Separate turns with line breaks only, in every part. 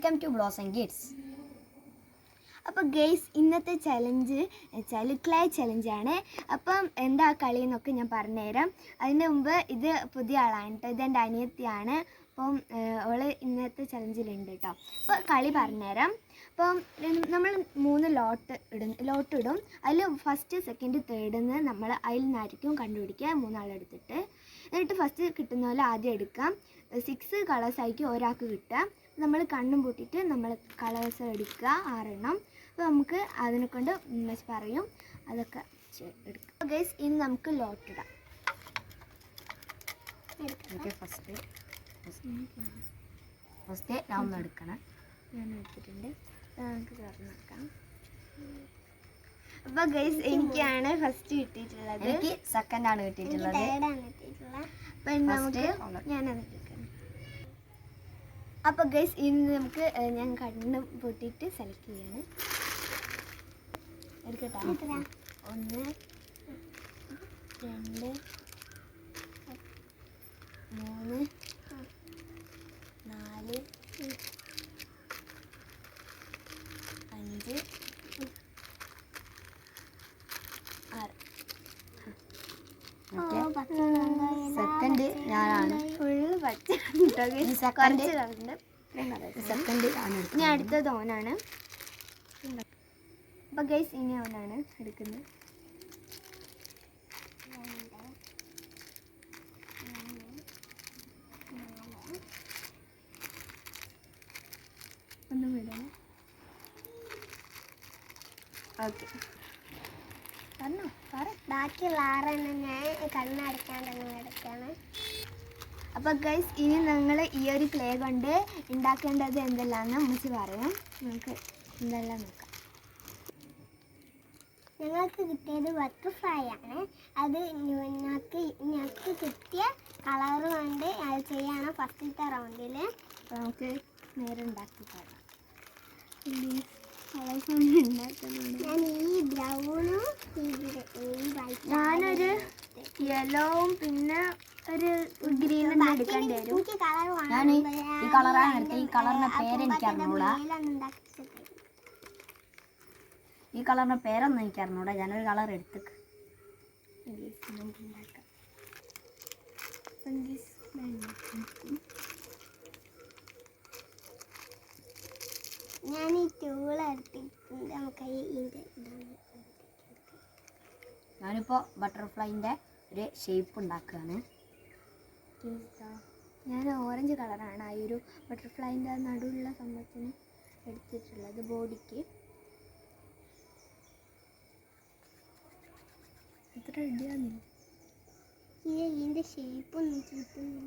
Welcome to Blossom Kids.
അപ്പോൾ guys, ഇന്നത്തെ challenge വെച്ചാൽ ക്ലേ ചലഞ്ചാണ്. അപ്പം എന്താ കളി എന്നൊക്കെ ഞാൻ പറഞ്ഞുതരാം. അതിന് മുമ്പ് ഇത് പുതിയ ആളാണ് കേട്ടോ, ഇതെൻ്റെ അനിയത്തിയാണ്. അപ്പം അവൾ ഇന്നത്തെ ചലഞ്ചിലുണ്ട് കേട്ടോ. അപ്പോൾ കളി പറഞ്ഞുതരാം. അപ്പം നമ്മൾ 3 ലോട്ട് ഇടും. അതിൽ ഫസ്റ്റ് സെക്കൻഡ് തേർഡെന്ന് നമ്മൾ അതിൽ നിന്നായിരിക്കും കണ്ടുപിടിക്കുക, 3 ആളെടുത്തിട്ട്. എന്നിട്ട് ഫസ്റ്റ് കിട്ടുന്ന പോലെ ആദ്യം എടുക്കാം. 6 കളേഴ്സായിരിക്കും ഒരാൾക്ക് കിട്ടുക. നമ്മൾ കണ്ണും പൂട്ടിയിട്ട് നമ്മൾ കളേഴ്സ് എടുക്കുക, 6 എണ്ണം. അപ്പോൾ നമുക്ക് അതിനെ കൊണ്ട് മിസ് പറയും, അതൊക്കെ എടുക്കാം. ഗൈസ്, ഇനി നമുക്ക് ലോട്ട് ഇടാം.
ഫസ്റ്റ് ഞാൻ എടുക്കണം.
ഞാൻ എടുത്തിട്ടുണ്ട്, നമുക്ക് തുറന്ന് നോക്കാം. അപ്പോൾ ഗൈസ്, എനിക്കാണ് ഫസ്റ്റ് കിട്ടിയിട്ടുള്ളത്.
എനിക്ക് സെക്കൻഡാണ് കിട്ടിയിട്ടുള്ളത്.
അപ്പം നമുക്ക് ഞാനത് എടുക്കണം. അപ്പോൾ ഗൈസ്, ഇന്ന് നമുക്ക് ഞാൻ കണ്ണ് പൊട്ടിയിട്ട് സെലക്ട് ചെയ്യാണ്. എടുക്കട്ടെ. 1 2 3 4 5 6.
സെക്കൻഡ് ഞാനാണ്.
ഫുള്ള് പച്ച.
സെക്കൻഡ്
ഇനി അടുത്തത് ഓനാണ്. അപ്പോൾ ഗൈസ്, ഇനി ഓനാണ് എടുക്കുന്നത്. ഒന്നും വിടണം. ഓക്കെ, പറഞ്ഞോ, ബാക്കിയുള്ള 6 എണ്ണം ഞാൻ കണ്ണടക്കാണ്ട് എടുക്കാണ്. അപ്പോൾ ഗൈസ്, ഇനി നിങ്ങൾ ഈ ഒരു ക്ലേ കൊണ്ട് ഉണ്ടാക്കേണ്ടത് എന്തെല്ലാമെന്ന് അമ്മച്ചി പറയും. നമുക്ക് എന്തെല്ലാം നോക്കാം. ഞങ്ങൾക്ക് കിട്ടിയത് ബട്ടർഫ്ലൈ ആണ്. അത് ഞങ്ങൾക്ക് കിട്ടിയ കളർ കൊണ്ട് അത് ചെയ്യാണ് ഫസ്റ്റത്തെ റൗണ്ടിൽ. അപ്പോൾ നമുക്ക് നേരെ ഉണ്ടാക്കി തരാം. ഞാൻ ഈ ബ്രൗണും ഞാനൊരു യെല്ലോവും പിന്നെ ഒരു ഗ്രീനും എടുക്കേണ്ടി വരും.
ഞാൻ ഈ കളറാണ് എടുത്തത്. ഈ കളറിന്റെ പേര് എനിക്ക് അറിഞ്ഞൂടാ. ഈ കളറിന്റെ പേരൊന്നും എനിക്ക് അറിഞ്ഞൂടാ. ഞാനൊരു കളർ എടുത്തേക്ക്.
ഞാൻ ഈ ടൂൾ എടുത്തിട്ടുണ്ട്. നമുക്ക്
ഞാനിപ്പോൾ ബട്ടർഫ്ലൈൻ്റെ ഒരു ഷേപ്പ് ഉണ്ടാക്കുകയാണ്.
ഞാൻ ഓറഞ്ച് കളറാണ് ആ ഒരു ബട്ടർഫ്ലൈൻ്റെ നടുവുള്ള സംഭവത്തിന് എടുത്തിട്ടുള്ളത്, ബോഡിക്ക്. എത്ര റെഡിയാകുന്നില്ല, ഇതിൻ്റെ ഷേപ്പൊന്നും കിട്ടുന്നില്ല.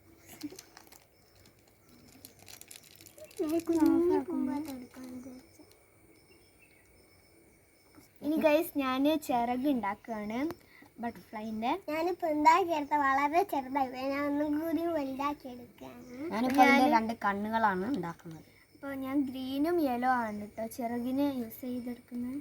ഇനി ഗൈസ്, ഞാൻ ചിറക് ഉണ്ടാക്കുകയാണ് ബട്ടർഫ്ലൈൻ്റെ. ഞാനിപ്പോൾ ഉണ്ടാക്കിയെടുത്ത വളരെ ചെറുതായി, ഞാൻ ഒന്നും കൂടി വലുതാക്കി എടുക്കുകയാണ്.
ഞാനിപ്പോൾ 2 കണ്ണുകളാണ് ഉണ്ടാക്കുന്നത്.
അപ്പോൾ ഞാൻ ഗ്രീനും യെല്ലോ ആണ് കേട്ടോ ചിറകിന് യൂസ് ചെയ്തെടുക്കുന്നത്.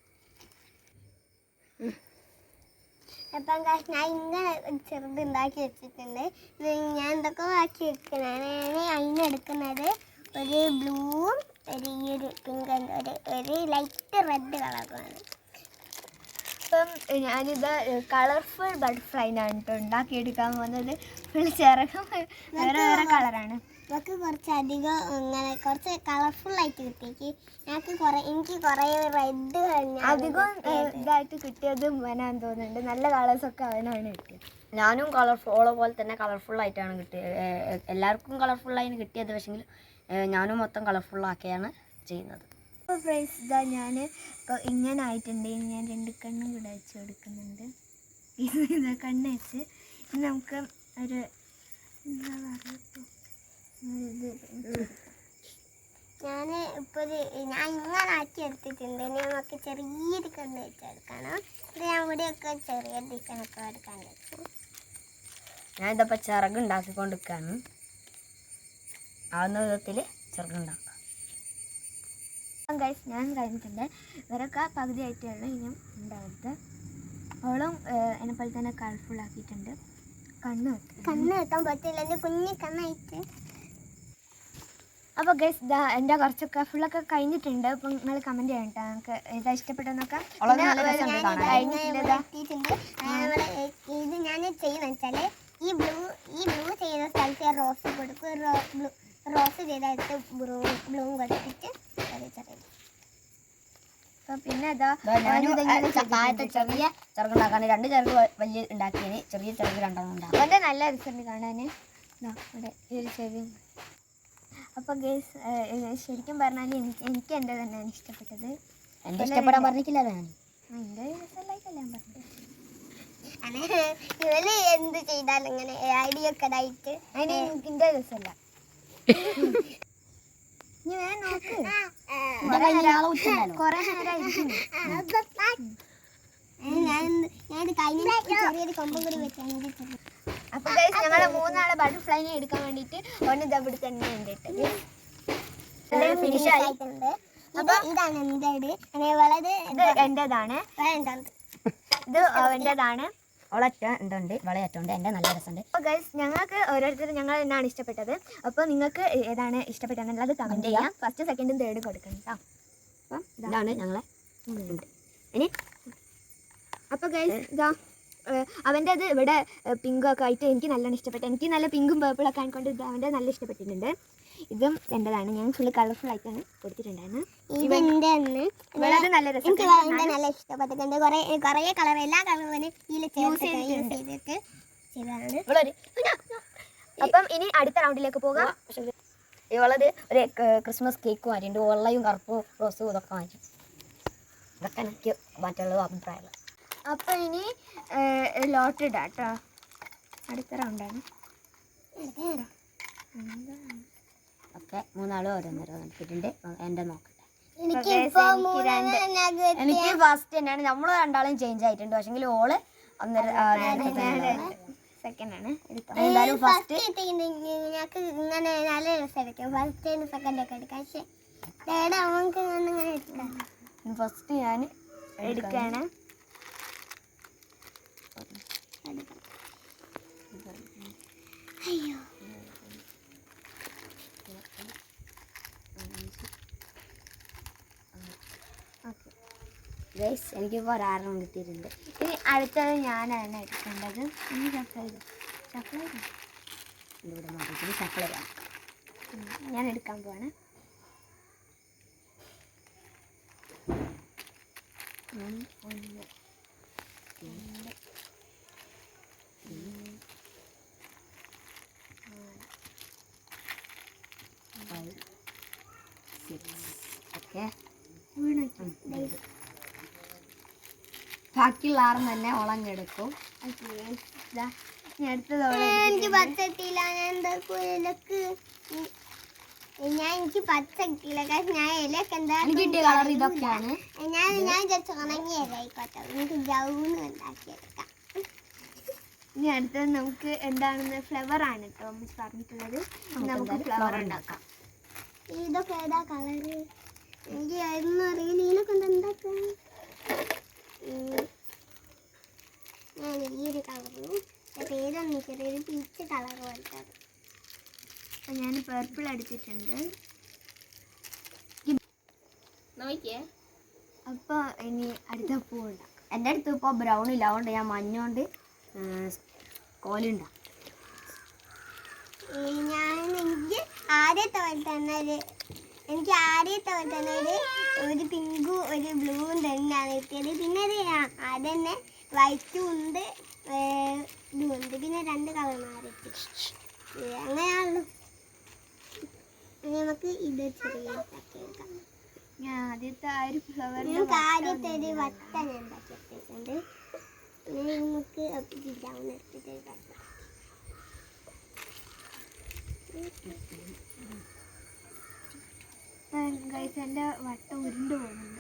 അപ്പം ഞാൻ ഇങ്ങനെ ചെറുത് ഉണ്ടാക്കി വെച്ചിട്ടുണ്ട്. ഇത് ഞാൻ എന്തൊക്കെ ആക്കി വെക്കുന്നതാണ്. ഞാൻ അതിനെടുക്കുന്നത് ഒരു ബ്ലൂവും ഒരു പിങ്ക് ഒരു ലൈറ്റ് റെഡ് കളറുമാണ്. അപ്പം ഞാനിത് കളർഫുൾ ബട്ടർഫ്ലൈനാണ് കേട്ടോ ഉണ്ടാക്കിയെടുക്കാൻ പോകുന്നത്. ഫുൾ ചിറകും വേറെ വേറെ കളറാണ്. നമുക്ക് കുറച്ചധികം ഇങ്ങനെ കുറച്ച് കളർഫുള്ളായിട്ട് കിട്ടിയേക്ക്. എനിക്ക് കുറേ റെഡ് അധികം ഇതായിട്ട് കിട്ടിയത് അവനാന്ന് തോന്നുന്നുണ്ട്. നല്ല കളേഴ്സൊക്കെ അവനാണ് കിട്ടിയത്.
ഞാനും കളർഫുൾ പോലെ തന്നെ കളർഫുള്ളായിട്ടാണ് കിട്ടിയത്. എല്ലാവർക്കും കളർഫുള്ളായിന് കിട്ടിയത്. പക്ഷെങ്കിൽ ഞാനും മൊത്തം കളർഫുള്ളാക്കിയാണ് ചെയ്യുന്നത്.
അപ്പോൾ ഫ്രണ്ട്സ്, ഇതാ ഞാൻ ഇപ്പോൾ ഇങ്ങനെ ആയിട്ടുണ്ട്. ഞാൻ 2 കണ്ണും കൂടെ വെച്ച് കൊടുക്കുന്നുണ്ട്. ഇതാ കണ്ണ് വെച്ച് ഇനി നമുക്ക് ഒരു എന്താ പറയുക, ഞാൻ ഇങ്ങനെ ആക്കി എടുത്തിട്ടുണ്ട്. ഇനി നമുക്ക് ചെറിയൊരു കണ്ണ് വെച്ചെടുക്കണം. ഇത് ഞാൻ ഇവിടെയൊക്കെ ചെറിയ ഡിസൈനൊക്കെ എടുക്കാൻ വെച്ചു.
ഞാനിതപ്പോൾ ചിറക് ഉണ്ടാക്കിക്കൊണ്ടിരിക്കുകയാണ്. ആവുന്ന വിധത്തിൽ ചിറകുണ്ടാക്കാം.
ഗൈസ്, ഞാൻ കഴിഞ്ഞിട്ടുണ്ട്. ഇവരൊക്കെ പകുതി ആയിട്ടുള്ളൂ ഇനിയും ഉണ്ടാവരുത്. അവളും എന്നെപ്പോലെ തന്നെ കളർഫുൾ ആക്കിയിട്ടുണ്ട്. കണ്ണ് വെക്കാൻ പറ്റില്ല, എൻ്റെ കുഞ്ഞു കണ്ണായിട്ട്. അപ്പോൾ ഗൈസ് ഇതാ എൻ്റെ കുറച്ചൊക്കെ ഫുള്ളൊക്കെ കഴിഞ്ഞിട്ടുണ്ട്. അപ്പം നിങ്ങൾ കമൻറ്റ് ചെയ്യണം കേട്ടോ നമുക്ക് ഏതാ ഇഷ്ടപ്പെട്ടെന്നൊക്കെ.
ഇത് ഞാൻ ചെയ്യുന്ന വെച്ചാൽ ഈ ബ്ലൂ ചെയ്യുന്ന സ്ഥലത്ത് റോസ് കൊടുക്കും. റോസ് ചെയ്തെടുത്ത് ബ്ലൂ കൊടുത്തിട്ട് ചെറിയ
അപ്പം പിന്നെ ഇതാ
താഴത്തെ ചെറിയ ചെറുക്കുണ്ടാക്കാൻ 2 ചെറുക്ക് വലിയ ഉണ്ടാക്കിയതിന് ചെറിയ ചെറുക്ക് 2 ഉണ്ടാകും.
വളരെ നല്ല രസമുണ്ട് കാണാൻ. ഇവിടെ ഈ ഒരു ചെവി. അപ്പോൾ ഗൈസ് ശരിക്കും പറഞ്ഞാൽ എനിക്ക് എൻ്റെ തന്നെയാണ് ഇഷ്ടപ്പെട്ടത്.
എൻ്റെ ഇഷ്ടപ്പെടാൻ പറഞ്ഞിട്ടില്ലല്ലോ ഞാൻ.
എൻ്റെ രസമല്ലായിട്ടല്ല ഞാൻ പറഞ്ഞത്.
ഇവര് എന്ത് ചെയ്താലും ഇങ്ങനെ ഐഡിയ ഒക്കെ ആയിട്ട്
അതിന് എൻ്റെ രസമല്ല. ഇനി വേണം നോക്ക്. കുറേ നേരം ഇരിക്കുന്നു.
ഞാൻ കഴിഞ്ഞ ചെറിയൊരു കൊമ്പും കൂടി വെച്ചാൽ.
അപ്പോൾ ഗൈസ് ഞങ്ങളെ 3 ആളെ ബട്ടർഫ്ലൈനെ എടുക്കാൻ വേണ്ടിയിട്ട് ഒന്ന് ഇവിടെ തന്നെ ഉണ്ട്.
ഫിനിഷ് ആയിട്ടുണ്ട്. ഇതാണ് എന്റേത്. ഇത്
എൻ്റെതാണ്. ഇത് അവൻ്റെതാണ്.
അവളറ്റ എന്തുണ്ട് വളയറ്റുണ്ട്. എൻ്റെ നല്ല രസമുണ്ട്.
അപ്പോൾ ഗൈസ് ഞങ്ങൾക്ക് ഓരോരുത്തരും ഞങ്ങൾ എന്നാണ് ഇഷ്ടപ്പെട്ടത്. അപ്പോൾ നിങ്ങൾക്ക് ഏതാണ് ഇഷ്ടപ്പെട്ടതെന്നുള്ളത് കമൻറ്റ് ചെയ്യാം. ഫസ്റ്റ് സെക്കൻഡും തേർഡും കൊടുക്കണം കേട്ടോ. അപ്പം
ഇതാണ് ഞങ്ങളെ ഇനി.
അപ്പോൾ ഗൈസ് ഇതാ അവൻ്റേത് ഇവിടെ പിങ്കൊക്കെ ആയിട്ട് എനിക്ക് നല്ലോണം ഇഷ്ടപ്പെട്ടു. എനിക്ക് നല്ല പിങ്കും പേർപ്പിളൊക്കെ ആയിക്കൊണ്ട് ഇത് അവൻ്റെ നല്ല ഇഷ്ടപ്പെട്ടിട്ടുണ്ട്. ഇതും എൻ്റെതാണ്. ഞാൻ ഫുള്ള് കളർഫുൾ ആയിട്ടാണ് കൊടുത്തിട്ടുണ്ടായിരുന്നു. വളരെ നല്ല രസം.
എനിക്ക് നല്ല ഇഷ്ടപ്പെട്ടിട്ടുണ്ട്. കുറേ കളർ എല്ലാ കളറും യൂസ് ചെയ്തിട്ട് ചെയ്തതാണ്.
അപ്പം ഇനി അടുത്ത റൗണ്ടിലേക്ക് പോകാം.
ഇവളത് ഒരു ക്രിസ്മസ് കേക്ക് മാറ്റിയിട്ടുണ്ട്. വെള്ളയും കറുപ്പും റോസും ഇതൊക്കെ മാറ്റി. ഇതൊക്കെ എനിക്ക് മറ്റുള്ള അഭിപ്രായമുള്ള.
അപ്പം ഇനി ലോട്ട് ഇടാം കേട്ടോ. അടുത്ത റൗണ്ടാണ്.
ഒക്കെ 3 ആളും ഓരോന്നോരോ എടുത്തിട്ടുണ്ട്. എൻ്റെ നോക്കട്ടെ. എനിക്ക് ഫസ്റ്റ് തന്നെയാണ്. നമ്മൾ 2 ആളും ചേഞ്ച് ആയിട്ടുണ്ട്. പക്ഷെങ്കിൽ ഓള്
സെക്കൻഡാണ്.
എന്തായാലും ഫസ്റ്റ്
ഞങ്ങൾക്ക് ഇങ്ങനെ നല്ല രസമായിരിക്കും. ഫസ്റ്റ് സെക്കൻഡ് ഒക്കെ എടുക്കാം. പക്ഷേ തേർഡ് അവർക്ക് ഇങ്ങനെ എടുക്കാം.
ഫസ്റ്റ് ഞാൻ
എടുക്കുകയാണ്.
അയ്യോ
ഗൈസ് എനിക്കിപ്പോൾ ഒരാറെണ്ണം കിട്ടിയിട്ടുണ്ട്.
ഇനി അടുത്തത് ഞാനാണ് എടുക്കേണ്ടത്. ഇനി സപ്ലൈ
ഇവിടെ മാറ്റിയിട്ട് സപ്ലൈ ചെയ്യാം.
ഞാൻ എടുക്കാൻ പോവാണ്.
ഓക്കെ ബാക്കിയുള്ള 6 തന്നെ ഉളഞ്ഞെടുക്കും.
എനിക്ക് പച്ച കിട്ടിയില്ല. ഞാൻ എന്താ എനിക്ക് പച്ച കിട്ടിയില്ല. കാരണം ഞാൻ ഇലയൊക്കെ എന്താ
കിട്ടിയ കളർ ഇതൊക്കെയാണ്.
ഞാൻ ഉണങ്ങിയ ഇലയിക്കോട്ടെ. എനിക്ക് ജൗന്ന് ഉണ്ടാക്കിയെടുക്കാം.
ഇനി അടുത്തത് നമുക്ക് എന്താണെന്ന് ഫ്ലവർ ആണ് കേട്ടോ മിസ് പറഞ്ഞിട്ടുള്ളത്. നമുക്ക് ഫ്ലവർ ഉണ്ടാക്കാം.
ഇതൊക്കെ ഏതാ കളറ്? എനിക്ക് അതൊന്നും അറിയില്ല. ഇതിനൊക്കെ എന്താക്കാം? ഞാൻ ഈ ഒരു കളറും പേരൊന്നും ചെറിയൊരു പീച്ച് കളർ പോലത്തെ.
അപ്പം ഞാൻ പേർപ്പിൾ എടുത്തിട്ടുണ്ട്.
നോക്കിയേ.
അപ്പോൾ ഇനി അടുത്ത പൂ ഉണ്ടാക്കാം.
എൻ്റെ അടുത്ത് ഇപ്പോൾ ബ്രൗൺ ഇല്ല. അതുകൊണ്ട് ഞാൻ മഞ്ഞോണ്ട് കോലുണ്ടാക്കും.
എനിക്ക് ആദ്യത്തെ പോലെ തന്നെ ഒരു പിങ്കും ഒരു ബ്ലൂവും തന്നെയാണ് കിട്ടിയത്. പിന്നെ അതന്നെ വൈറ്റും ഉണ്ട്, ഇതും ഉണ്ട്. പിന്നെ 2 കളർ മാറിയിട്ട് അങ്ങനെയാണല്ലോ. നമുക്ക് ഇത് ചെറിയ ഉണ്ടാക്കിയെടുക്കാം.
ഞാൻ ആദ്യത്തെ ആ ഒരു ഫ്ലവർ
നമുക്ക് ആദ്യത്തെ ഒരു വട്ട ഞാൻ ഉണ്ടാക്കിയെടുത്തിട്ടുണ്ട്. പിന്നെ നമുക്ക് ബ്രൗൺ എടുത്തിട്ട്
ഗൈസ് എൻ്റെ വട്ടം ഉരുണ്ട് പോകുന്നുണ്ട്.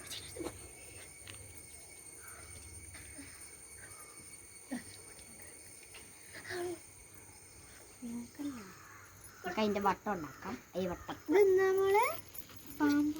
നമുക്ക് അതിൻ്റെ വട്ടം ഉണ്ടാക്കാം. ഈ വട്ടം
നമ്മള് പാമ്പ്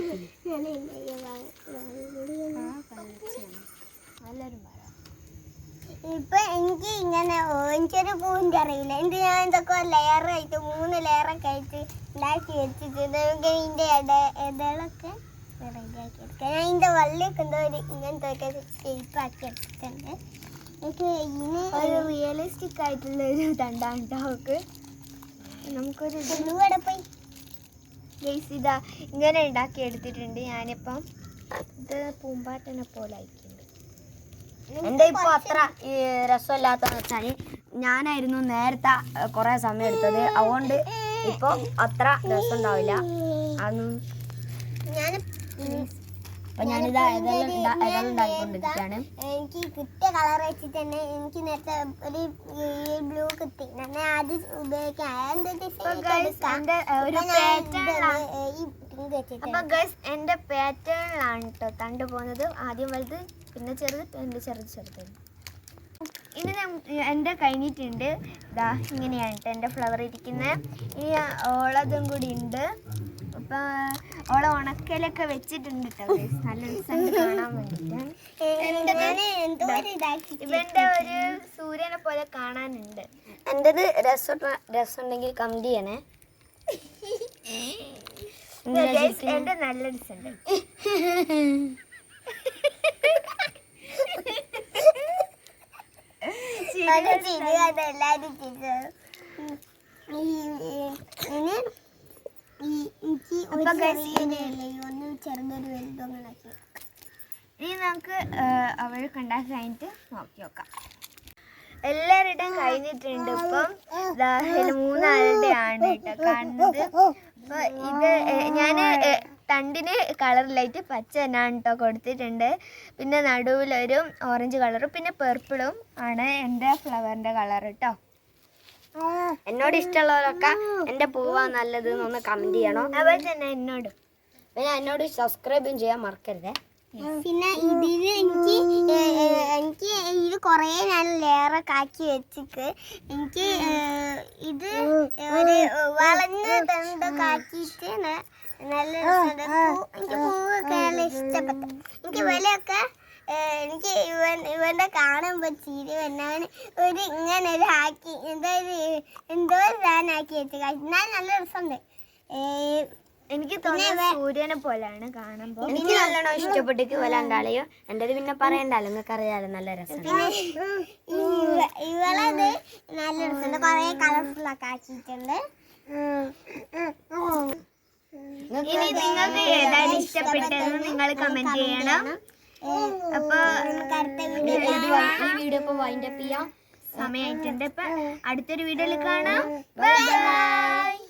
നല്ലൊരു മരം.
ഇപ്പൊ എനിക്ക് ഇങ്ങനെ എനിക്കൊരു പൂവിൻ്റെ അറിയില്ല. എനിക്ക് ഞാൻ ഇതൊക്കെ ലെയറായിട്ട് 3 ലെയറൊക്കെ ആയിട്ട് ഉണ്ടാക്കി വെച്ചിട്ടുണ്ട്. നമുക്ക് ഇതിന്റെ ഇടകളൊക്കെ റെഡിയാക്കി എടുക്കാം. ഞാൻ ഇതിന്റെ വള്ളിയൊക്കെ എന്തോ ഒരു ഇങ്ങനത്തെ ഒക്കെ ഷേപ്പ് ആക്കി എടുത്തിട്ടുണ്ട്. എനിക്ക് ഇതിന്
ഒരു റിയലിസ്റ്റിക് ആയിട്ടുള്ള ഒരു തണ്ടാണ് അവൾക്ക്. നമുക്കൊരു
ഇവിടെ പോയി
ഗൈസ് ഇതാ ഇങ്ങനെ ഉണ്ടാക്കി എടുത്തിട്ടുണ്ട് ഞാനിപ്പം. ഇത് പൂമ്പാറ്റനെ പോലെ അയക്കുന്നുണ്ട്.
എൻ്റെ ഇപ്പോൾ അത്ര രസമില്ലാത്തതെന്ന് വെച്ചാൽ ഞാനായിരുന്നു നേരത്തെ കുറേ സമയം എടുത്തത്. അതുകൊണ്ട് ഇപ്പോൾ അത്ര രസം ഉണ്ടാവില്ല. അതൊന്നും
ഞാൻ
അപ്പം ഞാനിതാ ഏതെല്ലാം ഉണ്ടാക്കിക്കൊണ്ടിരിക്കുകയാണ്.
എനിക്ക് കിട്ടിയ കളർ വെച്ചിട്ട് തന്നെ എനിക്ക് നേരത്തെ ഒരു ബ്ലൂ കിട്ടി. ഞാൻ അത് ഉപയോഗിക്കാം.
അപ്പൊ ഗൈസ് എന്റെ പാറ്റേണിലാണ് കേട്ടോ തണ്ട് പോകുന്നത്. ആദ്യം വലുത്, പിന്നെ ചെറുത്, പിന്നെ ചെറുത്. ഇനി എൻ്റെ കഴിഞ്ഞിട്ടുണ്ട്. ഇതാ ഇങ്ങനെയാണ് കേട്ടോ എൻ്റെ ഫ്ലവർ ഇരിക്കുന്നത്. ഇനി ഓളതും കൂടി ഉണ്ട്. അപ്പൊ ഓളെ ഉണക്കലൊക്കെ വെച്ചിട്ടുണ്ട് കേട്ടോ ഗൈസ്. നല്ല രസമുണ്ട് കാണാൻ വേണ്ടിയിട്ടാണ്. ഇവന്റെ ഒരു സൂര്യനെ പോലെ കാണാനുണ്ട്.
എൻ്റെത് രസമുണ്ടെങ്കിൽ കമന്റ് ചെയ്യണേ.
എന്റെ നല്ല രസമുണ്ട്.
ചെറുതൊരു വലുതൊന്നും
ഇനി നമുക്ക് അവൾ കണ്ടാൽ കഴിഞ്ഞിട്ട് നോക്കി നോക്കാം. എല്ലാവരുടെയും കഴിഞ്ഞിട്ടുണ്ട്. ഇപ്പം 3 ആണ് കേട്ടോ കാണുന്നത്. അപ്പൊ ഇത് ഞാൻ തണ്ടിന് കളറിലായിട്ട് പച്ച തന്നെയാണ് കേട്ടോ കൊടുത്തിട്ടുണ്ട്. പിന്നെ നടുവിലൊരു ഓറഞ്ച് കളറും പിന്നെ പെർപ്പിളും ആണ് എൻ്റെ ഫ്ലവറിൻ്റെ കളർ കേട്ടോ.
എന്നോട് ഇഷ്ടമുള്ളവരൊക്കെ എൻ്റെ പൂവാ നല്ലത് എന്നൊന്ന് കമന്റ് ചെയ്യണം.
അതുപോലെ തന്നെ എന്നോടും.
പിന്നെ എന്നോട് സബ്സ്ക്രൈബും ചെയ്യാൻ മറക്കരുതേ.
പിന്നെ ഇതിൽ എനിക്ക് ഇത് കുറേ ഞാൻ ലെയറൊക്കെ ആക്കി വെച്ചിട്ട് എനിക്ക് ഇത് ഒരു വളഞ്ഞ തണ്ടൊക്കെ ആക്കിയിട്ട് നല്ല രസമുണ്ട്. എനിക്ക് പൂവൊക്കെ നല്ല ഇഷ്ടപ്പെട്ടു. എനിക്ക് വിലയൊക്കെ എനിക്ക് ഇവന്റെ കാണുമ്പോൾ ചിരി വന്നാണ് ഒരു ഇങ്ങനെ ഒരു ആക്കി എന്തോ സാധനമാക്കി വെച്ച് എന്നാൽ നല്ല രസമുണ്ട്.
എനിക്ക് തോന്നുന്നത് സൂര്യനെ പോലെയാണ് കാണുമ്പോൾ.
എനിക്ക് നല്ലോണം ഇഷ്ടപ്പെട്ടിട്ട് വല്ലാണ്ടാളെയോ. എൻ്റെത് പിന്നെ പറയണ്ടല്ലോ, നിങ്ങൾക്ക് അറിയാലോ നല്ല രസം.
പിന്നെ ഇവളത് നല്ല രസമുണ്ട്. കുറേ കളർഫുൾ ഒക്കെ ആക്കിയിട്ടുണ്ട്.
ഇനി നിങ്ങൾക്ക് ഏതായാലും ഇഷ്ടപ്പെട്ടതെന്ന് നിങ്ങൾ കമന്റ് ചെയ്യണം. അപ്പൊ
ഈ വീഡിയോ ഇപ്പോൾ വൈൻഡപ്പ് ചെയ്യാം.
സമയമായിട്ടുണ്ട്. ഇപ്പൊ അടുത്തൊരു വീഡിയോയിൽ കാണാം. ബൈ.